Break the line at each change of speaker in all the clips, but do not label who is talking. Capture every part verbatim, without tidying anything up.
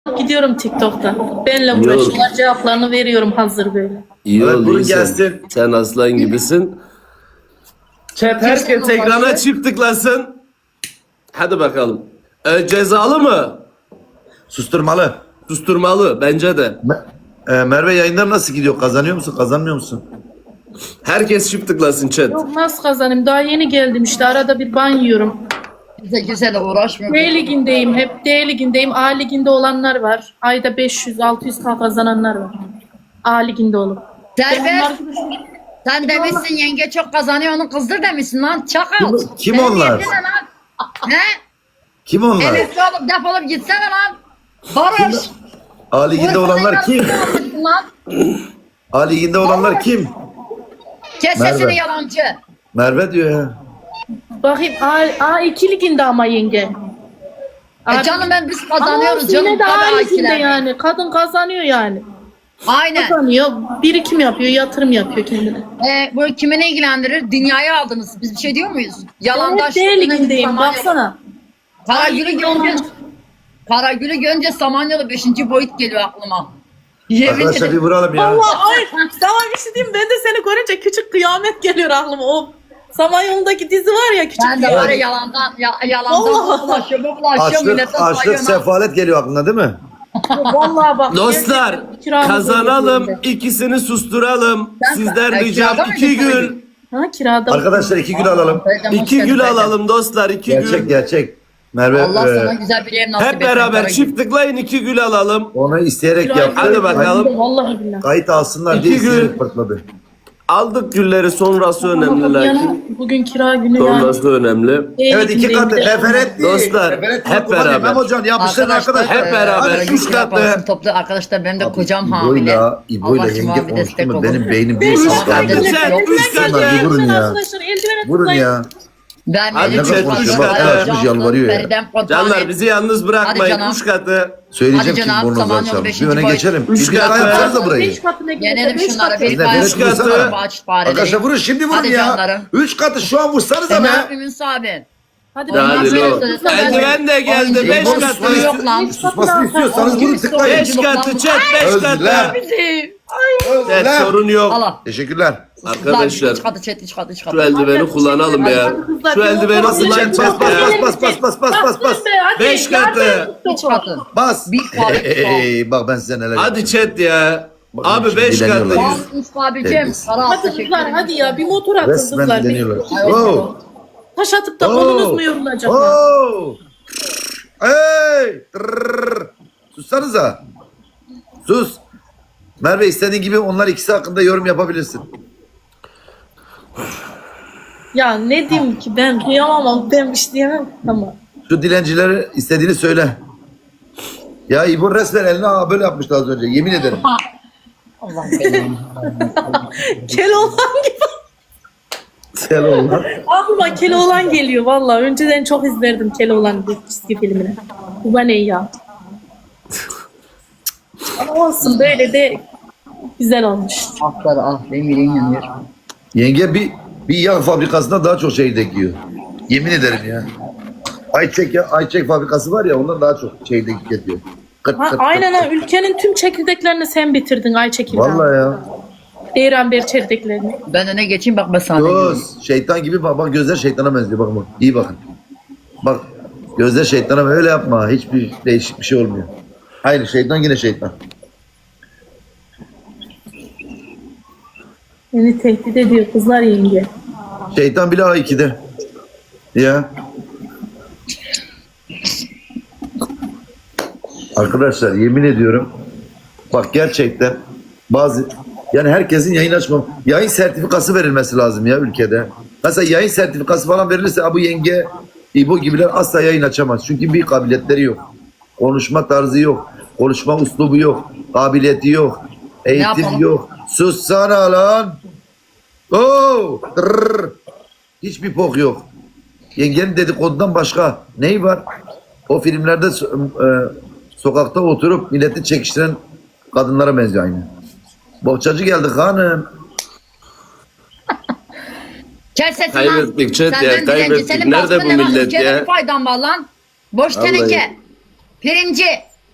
Gidiyorum TikTok'ta. Benle
Yok.
uğraşıyorlar, cevaplarını veriyorum hazır böyle.
İyi
Evet,
oldu
bunu
sen.
gelsin.
Sen aslan gibisin. Chat herkes ekrana çift tıklasın. Hadi bakalım. Ee, cezalı mı?
Susturmalı.
Susturmalı bence de.
Me- e, Merve yayınlar nasıl gidiyor? Kazanıyor musun? Kazanmıyor musun?
Herkes çift tıklasın chat.
Yok nasıl kazanayım? Daha yeni geldim işte. Arada bir ban yiyorum.
Bize güzel uğraşmıyor.
D ligindeyim. Hep D ligindeyim. A liginde olanlar var. Ayda beş yüz altı yüz K kazananlar var. A liginde olup.
Servet, sen demişsin yenge çok kazanıyor onu kızdır demişsin lan çakal.
Kim- kim
Senin
onlar?
niyetin ne lan? He?
Kim onlar?
Emekli olup defolup gitsene lan. Barış.
A liginde olanlar kim?
Lan.
A liginde olanlar kim?
Kes
Merve.
sesini yalancı.
Merve diyor ya.
Bakayım A, A2 liginde ama yenge.
E canım ben biz
Ama
kazanıyoruz
olsun,
canım.
yine de
Tabii
A liginde
akiler.
yani. Kadın kazanıyor yani.
Aynen.
Kazanıyor. Birikim yapıyor, yatırım yapıyor kendine.
E, bu kimi ne ilgilendirir? Dünyayı aldınız. Biz bir şey diyor muyuz?
Ben
Yalandaş.
hep D ligindeyim baksana.
Karagül'ü görünce Karagül'ü görünce Samanyolu beşinci boyut geliyor aklıma. Yemin
Arkadaşlar bir
ederim.
vuralım ya.
Allah ay sana bir şey diyeyim, ben de seni görünce küçük kıyamet geliyor aklıma. O Samanyolu'ndaki dizi var ya, küçük
Ben de
kıyamet.
var ya yalandan ya, yalandan
Vallahi.
bulaşıyor, bu bulaşıyor
Açlık,
millete
açlık,
sayıyor.
sefalet geliyor aklına değil mi?
Vallahi bak.
Dostlar
gerçekten kiramız
kazanalım,
ödedi.
ikisini susturalım.
Ben-
Sizden
Ben
ricam
kirada
iki
mıydım
gül.
tabii?
Ha kirada.
Arkadaşlar iki gül alalım.
Teyzem, hoş
İki
geldin
gül
teyzem.
alalım dostlar, iki
Gerçek
gül.
gerçek. Merve
Allah
e,
sana güzel bir ev nasip
Hep
etsin
beraber
Karagül.
çift tıklayın, iki gül alalım.
onu isteyerek
Kirayı
yaptı.
Hadi bakalım.
Vallahi billahi.
Kayıt alsınlar
İki
diye
gül.
isteyerek pırtladı.
Aldık gülleri, sonrası önemli
Ama
lakin.
yani bugün kira günü yani.
Sonrası önemli.
Evet iki katı referent değil.
Dostlar,
Referent
hep
değil.
beraber.
Memo Can yapmışlar arkadaşlar.
hep beraber.
Hadi
Üç
üç
Kira
katı.
parasını toplu arkadaşlar benim de kocam hamile.
İbo'yla, İbo'yla
Allah
yenge
şifa bir
konuştu
destek
mu?
olun.
Benim beynim
Beş
bir
Ama
katı
bende
ıslandı.
de
Chat,
yok.
üç katı.
Bunlar bir vurun ya.
Arkadaşlar eldivene
Vurun
tıklayın.
ya.
Ben
Hadi
benim
chat,
kocam
üç
hamile,
katı.
Cansın,
Açmış, yalvarıyor ya.
Feriden Kocaeli.
Canlar bizi yalnız
Hadi
bırakmayın.
canım.
Üç katı.
Söyleyeceğim
Hadi
kim
canım,
bornozlar
Samanyolu
çalmış. Bir
beşinci
öne
boy.
geçelim.
Üç
Bir bir
katı.
yapsanıza burayı.
Beş katı ne güzel,
Yenelim
beş
şunları.
katı.
Bir
Biz de
tane
bebek
Üç katı.
vursana.
aç fareleri.
Arkadaşlar vurun şimdi vurun
Hadi
ya.
canlarım.
Üç katı şu an vursanıza
E, ne
be.
yapayım Yunus abi?
Hadi
Hadi
bakalım.
lo. Eldiven de geldi.
Oyuncu
Beş
yok,
katı.
oyuncu yok lan.
Susmasını istiyorsanız vurun tıklayın.
Beş katı chat, beş
Özler.
katı.
Bizi.
Evet,
Özler.
sorun yok.
Allah.
Teşekkürler.
Arkadaşlar,
Üç katı chat, üç katı, üç
şu
katı.
eldiveni kullanalım ya. Şu eldiveni
Basın
kullan
chat,
chat
bas,
ya.
bas, bas, bas, bas, bas, bas.
Beş katı.
Üç katı.
Bas.
Bir kahve, bir kahve.
Hey, bak ben size neler
Hadi
yapacağım.
chat ya.
Bakın
Abi
şimdi
beş katı.
dileniyorlar.
Al
yüz-
Yunus abicim.
Terbiyesiz.
Para al,
Hadi
teşekkür
kızlar
ederim.
hadi ya bir motor atın
Resmen
kızlar. Bir
deniyorlar.
Ay,
Wow.
taş atıp da
Oh.
kolunuz mu yorulacak? ya?
Oh. Hey. Tırrrr. Sussanıza. Sus. Merve istediğin gibi onlar ikisi hakkında yorum yapabilirsin.
Ya ne diyeyim ki, ben kıyamam, ben bir şey diyemem. Tamam.
Şu dilencilere istediğini söyle. Ya İbo resmen eline aa, böyle yapmıştı az önce. Yemin ederim.
Allah belanı.
Keloğlan gibi.
Selam.
Aklıma Keloğlan geliyor valla. Önceden çok izlerdim Keloğlan çizgi filmini. Bu bana ne ya? Ama olsun, böyle de güzel olmuş.
Akları ah benim yüreğim yanıyor.
Yenge bir bir yağ fabrikasında daha çok çekirdek yiyor. Yemin ederim ya. Ayçek ya, Ayçek fabrikası var ya ondan daha çok çekirdek tüketiyor. Kırt,
Ha,
kırt,
aynen
kırt.
ha, ülkenin tüm çekirdeklerini sen bitirdin Ayçekil.
Vallahi ya.
Beyran çekirdeklerini.
Ben öne geçeyim bak ben sana diyorum.
Göz, şeytan gibi bak, bak gözler şeytana benziyor bak bak. İyi bakın. Bak gözler şeytana öyle yapma. Hiçbir değişik bir şey olmuyor. Hayır şeytan yine şeytan.
Beni tehdit ediyor kızlar yenge.
Şeytan bile A iki'de. Ya. Arkadaşlar yemin ediyorum bak gerçekten bazı yani herkesin yayın açmam yayın sertifikası verilmesi lazım ya ülkede. Mesela yayın sertifikası falan verilirse bu yenge İbo gibiler asla yayın açamaz. Çünkü bir kabiliyetleri yok. Konuşma tarzı yok. Konuşma uslubu yok. Kabiliyeti yok. Eğitim
yapalım?
yok. Sussana lan. Oo! Tırrrr. Hiçbir pok yok. Yengenin dedikodudan başka neyi var? O filmlerde so- e, sokakta oturup milleti çekiştiren kadınlara benziyor aynı. Bohçacı geldi hanım.
Kes sesini
Kaybettik chat ya,
Senden dilenci.
kaybettik.
Senin
Nerede
baskın
bu
ne lan?
millet
Ülkede
ya?
bir faydan var lan. Boş
Vallahi.
teneke. Pirinci.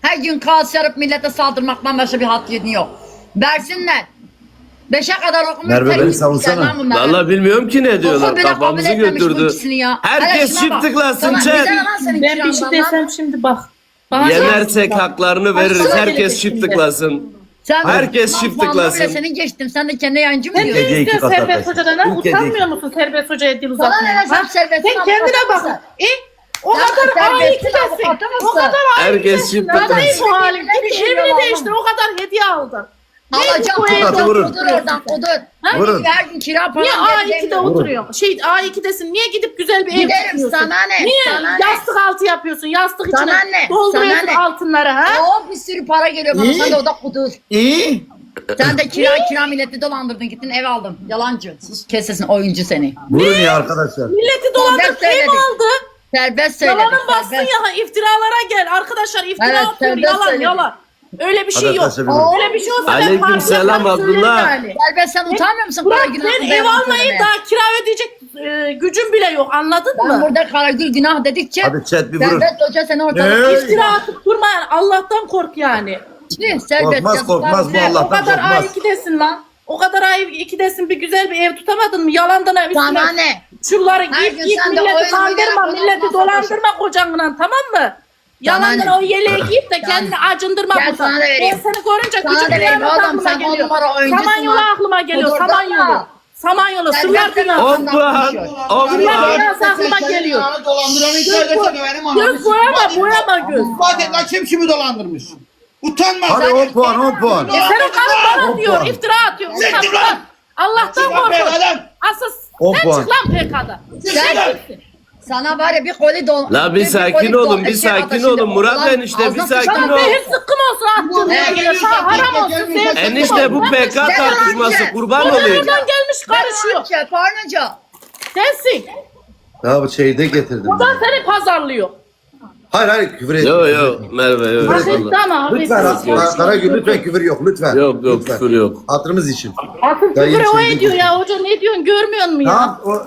Her gün kaos yarıp millete saldırmaktan başka bir hat yedin yok. Versinler. Beşe kadar okumuş.
Merve, beni
terbiyetsiz
savunsana.
şeyler bunlar.
Vallahi bilmiyorum ki ne diyorlar.
Okul bile
Kafamızı
kabul etmemiş bu
götürdü.
ikisini ya.
Herkes
Hele şuna bak.
çiftliklasın
Sana
chat.
güzel lan senin
Ben bir şey
kirandan lan.
desem şimdi bak. Bana
Yenersek haklarını veririz.
Baksana
Herkes
gelecek şimdi.
çiftliklasın.
Sen
Herkes
lan
çift
puanla
tıklasın.
bile senin geçtim. Sen de kendi yayıncı mı
Sen
diyorsun?
ne
Ülke iki
istiyorsun
kat
Serbest
arkadaşlar.
Hoca'dan? ha?
Ülke
Utanmıyor musun Serbest Hoca'ya dil
Sana
uzatmaya?
ne, sen
ha?
Serbest'in
Sen kendine
avukatı
bak.
mısın?
E, o
Sen
kadar
Serbest'in
A iki'desin.
avukatı mısın?
O kadar A
Herkes
iki'desin.
çift
Neden
tıklasın.
bu halin?
Ne
Git
düşünüyor
evini
vallahi?
değiştir. O kadar hediye aldın.
Alacağım
bu
kudur,
evde
vurun.
kudur oradan kudur.
Ha?
Vurun.
Her gün kira
Niye
falan
A
vereceğim.
iki'de oturuyorsun? Şey A iki'desin. Niye gidip güzel bir ev
Giderim,
tutuyorsun?
sana ne?
Niye
Sana ne?
yastık altı yapıyorsun? Yastık
Sana
içine
ne?
dolduruyorsun
Sana ne?
altınları ha?
Oo, bir sürü para geliyor bana.
İyi.
Sen de o da kudur.
İyi.
Sen de kira kira milleti dolandırdın. Gittin ev aldın. Yalancı. Sus, kes sesini, oyuncu seni.
Vurun ya arkadaşlar.
Milleti dolandırıp
Serbest
ev
söyledik.
aldı.
Serbest söyledik.
Yalanın bassın
serbest.
ya iftiralara gel. Arkadaşlar iftira
Evet,
atıyor.
serbest
Yalan
söyledim.
yalan. Öyle bir şey yok.
Arkadaşlar, bir-
Öyle bir şey olsa
Aleyküm
ben
selam
parçalarım, söylerim
Abdullah.
yani.
Serbest, sen utanmıyor musun?
Burak
Karagül
ben
hakkında
ev
yalan
almayı
söylemeye?
daha kira ödeyecek e, gücüm bile yok anladın
Ben
mı?
burada Karagül günah dedikçe
Hadi chat bir vurun.
Serbest Hoca seni ortalık
Ne?
İftira atıp durma yani Allah'tan kork yani.
Tüh, serbest
Korkmaz,
yazıklar
korkmaz
olsun.
bu Allah.
O kadar
korkmaz.
A iki'desin lan. O kadar A iki'desin bir güzel bir ev tutamadın mı? Yalandan ev
Sana
üstüne.
ne?
Şunları
Her
giyip
gün
giyip
sen de
milleti
oyun
kandırma,
oynayarak
milleti
ondan
dolandırma kocanla tamam mı? Yalandan
ne?
o yeleği giyip de kendini acındırma
Gel
burada.
sana da
Ben
vereyim.
seni görünce
Sana
küçük
da vereyim
kıyamet
oğlum,
aklıma
sen on
geliyor.
numara oyuncusun
Samanyolu
lan.
aklıma geliyor,
Kudurdan
Samanyolu.
da.
Samanyolu,
Sen
sırlar
gerçekten
dünyası.
On puan. On
Sırlar
puan.
dünyası aklıma geliyor.
Dolandıranı içeride benim anamı.
Göz boyama, boyama göz.
İspat et lan kim kimi dolandırmış. Utanma.
Hadi on puan on puan.
E senin karın bana
On
diyor,
puan.
iftira atıyor.
Siktir
Utanma.
lan.
Allah'tan
Çık lan
korkun.
P K'dan.
Asıl
On
sen
puan.
çık lan P K'da.
Sen-
Sana var ya bir koli don.
La bir sakin olun, bir sakin olun. Murat enişte, bir sakin
Sana
ol.
zehir sıkkın olsun attın.
Buraya
Yani.
geliyorsan
Sana haram
gel,
olsun.
gel,
zehir
gel.
sıkkın
Enişte bu
olsun.
P K
Sen
tartışması
önce.
kurban
Oradan
olayım.
gelmiş karışıyor.
Karışıyor. Pornocu.
Sensin.
Ya bu şeyde getirdim.
Buradan seni pazarlıyor.
Hayır hayır küfür et.
Yo yo Merve yo.
Hafif
vallahi.
sana
Lütfen
hafif.
Kara- Karagül lütfen küfür yok lütfen.
Yok yok
Lütfen.
küfür yok.
Hatırımız için.
Hafif
Dayı
küfür o
içeri
ediyor
gir.
ya. Hoca ne diyorsun görmüyor musun ya?
Tamam o,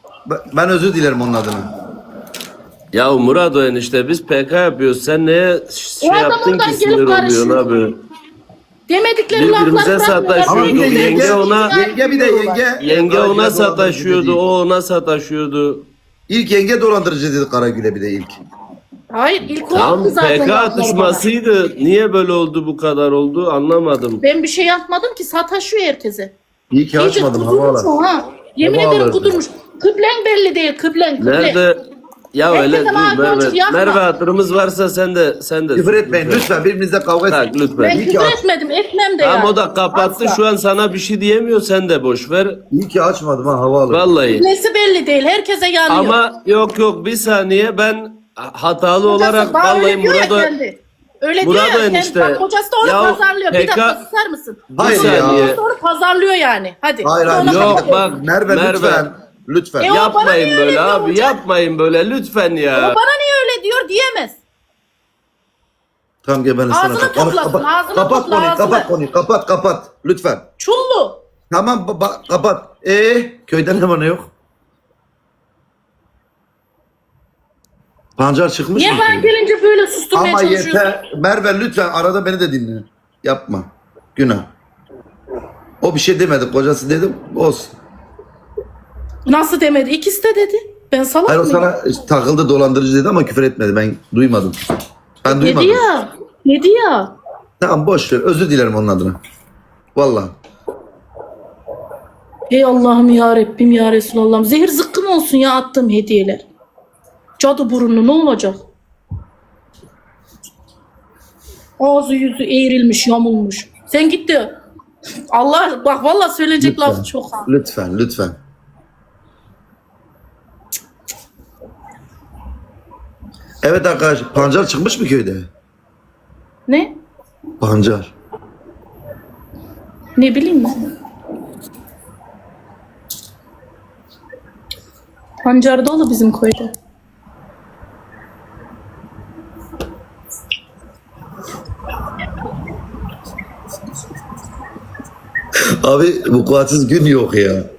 ben özür dilerim onun adına.
Ya Murat o enişte biz P K yapıyoruz. Sen neye şey
O adam
yaptın
oradan
ki
gelip
sinir oluyorsun
karışıyor.
abi?
Demedikleri
Birbirimize
lafları
sataşıyoruz.
Ama bir de
bırakmıyorlar.
yenge,
Yenge ona-
yenge bir de yenge.
Yenge ona
Karagül'e
sataşıyordu,
dolandırıcı
o ona sataşıyordu.
dedi. İlk yenge dolandırıcı dedi Karagül'e bir de ilk.
Hayır ilk
Tam
oldu zaten.
P K
lafları bana.
atışmasıydı. Niye böyle oldu bu kadar oldu anlamadım.
Ben bir şey yapmadım ki sataşıyor herkese.
İyi ki
İyice
açmadım
kudurmuş
havalar.
o ha. Yemin
Hava
ederim
alırdı.
kudurmuş. Kıblen belli değil kıblen kıblen.
Nerede? Ya
Herkese
öyle dur
mavi boncuk
Merve.
yakma.
Merve hatırımız varsa sen de sen de.
Küfür etmeyin lütfen birbirinizle kavga
Tak
etmeyin.
lütfen.
Ben
İyi ki
küfür
aç-
etmedim etmem de
Tamam
yani.
o da kapattı
Asla.
şu an sana bir şey diyemiyor sen de boş ver.
İyi ki açmadım ha hava alır.
Vallahi.
Nesi belli değil herkese yanıyor.
Ama yok yok bir saniye ben hatalı
Kocası
olarak
bana
vallahi
öyle diyor ya
Murat'a
kendi. Öyle
Murat
diyor ya kendi.
enişte.
Bak kocası da onu
Ya
pazarlıyor. Bir
P K
dakika susar mısın?
bir
Hayır ya.
saniye.
Kocası onu pazarlıyor yani. Hadi.
Hayır hayır.
Ona
Yok,
bakıyor.
bak.
Merve,
Merve.
lütfen. Lütfen.
E, o bana
Yapmayın
niye
böyle
öyle diyor
abi
hocam?
yapmayın böyle lütfen
O
ya.
bana niye öyle diyor diyemez.
Tamam gel ben de sana.
Ağzını
Konuş,
toplasın,
kapat,
ağzını
kapat
topla,
konuyu,
ağzını.
kapat konuyu, kapat, kapat. Lütfen.
Çullu.
Tamam, ba- ba- kapat. Ee, köyden ne var ne yok? Pancar çıkmış
Niye
mı?
ben gelince böyle susturmaya
Ama
çalışıyorsun?
yeter. Merve lütfen arada beni de dinle. Yapma. Günah. O bir şey demedi. Kocası dedim. Olsun.
Nasıl demedi? İkisi de dedi. Ben salak
Hayır o
mıyım?
sana takıldı dolandırıcı dedi ama küfür etmedi. Ben duymadım. Ben
Dedi
duymadım.
ya. Dedi ya.
Tamam boş ver. Özür dilerim onun adına. Vallahi.
Ey Allah'ım ya Rabbim ya Resulallah'ım. Zehir zıkkım olsun ya attığım hediyeler. Cadı burunlu ne olacak? Ağzı yüzü eğrilmiş yamulmuş. Sen git de Allah bak vallahi söyleyecek
Lütfen.
laf çok. ha.
Lütfen, lütfen. Evet arkadaşlar, pancar çıkmış mı köyde?
Ne?
Pancar.
Ne bileyim ben. Pancar dolu bizim köyde.
Abi vukuatsız gün yok ya.